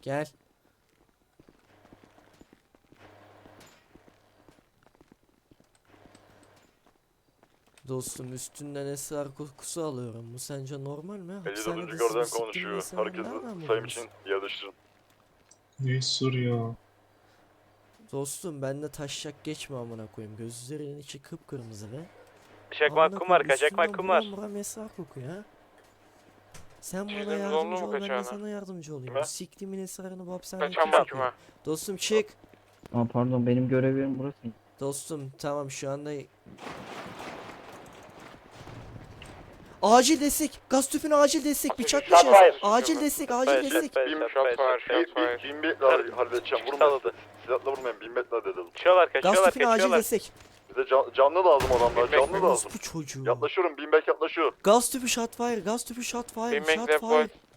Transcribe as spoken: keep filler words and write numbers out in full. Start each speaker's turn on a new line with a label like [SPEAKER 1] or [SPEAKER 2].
[SPEAKER 1] Gel. Dostum üstünden esrar kokusu alıyorum. Bu sence normal mi?
[SPEAKER 2] elli
[SPEAKER 1] Hapishanede
[SPEAKER 2] dördüncü gardan
[SPEAKER 1] sizi siktiğin
[SPEAKER 2] konuşuyor.
[SPEAKER 1] esrarı
[SPEAKER 2] Herkes
[SPEAKER 1] nereden
[SPEAKER 2] sayım
[SPEAKER 1] buldunuz?
[SPEAKER 2] için yerleştirin.
[SPEAKER 3] Ne sor ya?
[SPEAKER 1] Dostum bende taşacak geçme amına koyayım. Gözlerinin içi kıpkırmızı be.
[SPEAKER 4] Çakmak
[SPEAKER 1] Amına
[SPEAKER 4] kum var,
[SPEAKER 1] koyayım,
[SPEAKER 4] kaçak
[SPEAKER 1] üstünden
[SPEAKER 4] kum var.
[SPEAKER 1] buram buram esrar kokuyor ha. Sen bana
[SPEAKER 4] Çizdiğimiz
[SPEAKER 1] yardımcı
[SPEAKER 4] oldu mu
[SPEAKER 1] ol, ben de
[SPEAKER 4] kaçağına?
[SPEAKER 1] sana yardımcı olayım.
[SPEAKER 2] Kime?
[SPEAKER 1] Bu siktiğimin esrarını bu hapishaneye
[SPEAKER 4] Kaçan
[SPEAKER 1] kim
[SPEAKER 4] bak
[SPEAKER 1] sokuyor?
[SPEAKER 4] kime?
[SPEAKER 1] Dostum çık.
[SPEAKER 5] Aa, pardon benim görev yerim burası.
[SPEAKER 1] Dostum tamam şu anda... Acil destek. Gaz tüpüne acil destek. Bıçaklaşacağız. Acil destek, acil
[SPEAKER 4] Shot
[SPEAKER 1] destek.
[SPEAKER 4] fire,
[SPEAKER 2] Bin-
[SPEAKER 4] shot fire, shot fire.
[SPEAKER 2] Bin metre halledeceğim. Vurmayın.
[SPEAKER 4] Salladı.
[SPEAKER 2] Silahla vurmayın. Bin metre dedim.
[SPEAKER 4] Kaçıyorlar,
[SPEAKER 1] Gaz
[SPEAKER 4] kaçıyorlar,
[SPEAKER 1] tüpüne acil
[SPEAKER 4] kaçıyorlar.
[SPEAKER 1] destek.
[SPEAKER 2] Bize can, canlı lazım adamlar.
[SPEAKER 4] Bin
[SPEAKER 2] Canlı
[SPEAKER 4] metre.
[SPEAKER 2] lazım.
[SPEAKER 1] Bu çocuğu.
[SPEAKER 2] Yaklaşıyorum. Bin bek yaklaşıyor.
[SPEAKER 1] Gaz tüpü shot fire, gaz tüpü shot fire,
[SPEAKER 4] Bin
[SPEAKER 1] shot
[SPEAKER 4] metre
[SPEAKER 1] fire.
[SPEAKER 4] boy.